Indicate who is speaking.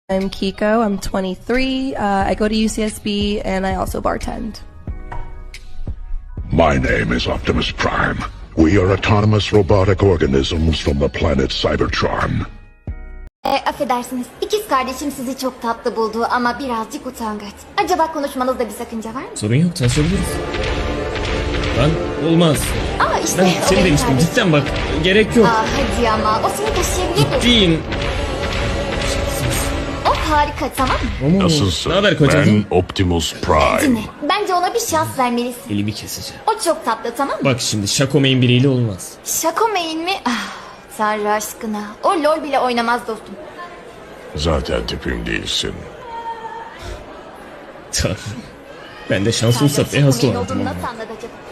Speaker 1: I'm Kiko. I'm 23. I go to UCSB and I also bartend.
Speaker 2: My name is Optimus Prime. We are autonomous robotic organisms from the planet Cybertron.
Speaker 3: Affedersiniz. İkiz kardeşim sizi çok tatlı buldu ama birazcık utangaç. Acaba konuşmanızda bir sakınca var mı?
Speaker 4: Sorun yok, tanışabiliriz. Lan olmaz.
Speaker 3: Aa işte
Speaker 4: Ben
Speaker 3: o
Speaker 4: seni
Speaker 3: benim
Speaker 4: demiştim,
Speaker 3: kardeşim.
Speaker 4: cidden bak gerek yok.
Speaker 3: Hadi ama o seni taşıyabilir mi?
Speaker 4: Ciddiyim.
Speaker 3: O harika, tamam mı?
Speaker 2: Nasılsın?
Speaker 4: Ne haber kocacığım?
Speaker 2: Ben Optimus Prime.
Speaker 3: Dinle. Bence ona bir şans vermelisin.
Speaker 4: Elimi keseceğim.
Speaker 3: O çok tatlı, tamam mı?
Speaker 4: Bak şimdi Şakomay'ın biriyle olmaz.
Speaker 3: Şako main mi? Tanrı aşkına. O LOL bile oynamaz dostum.
Speaker 2: Zaten tipim değilsin.
Speaker 4: Tanrım. Ben de şansımsa
Speaker 3: Tanrı,
Speaker 4: beyaz
Speaker 3: Şako main
Speaker 4: dolandım
Speaker 3: olduğunu
Speaker 4: ama.
Speaker 3: nasıl anladı acaba?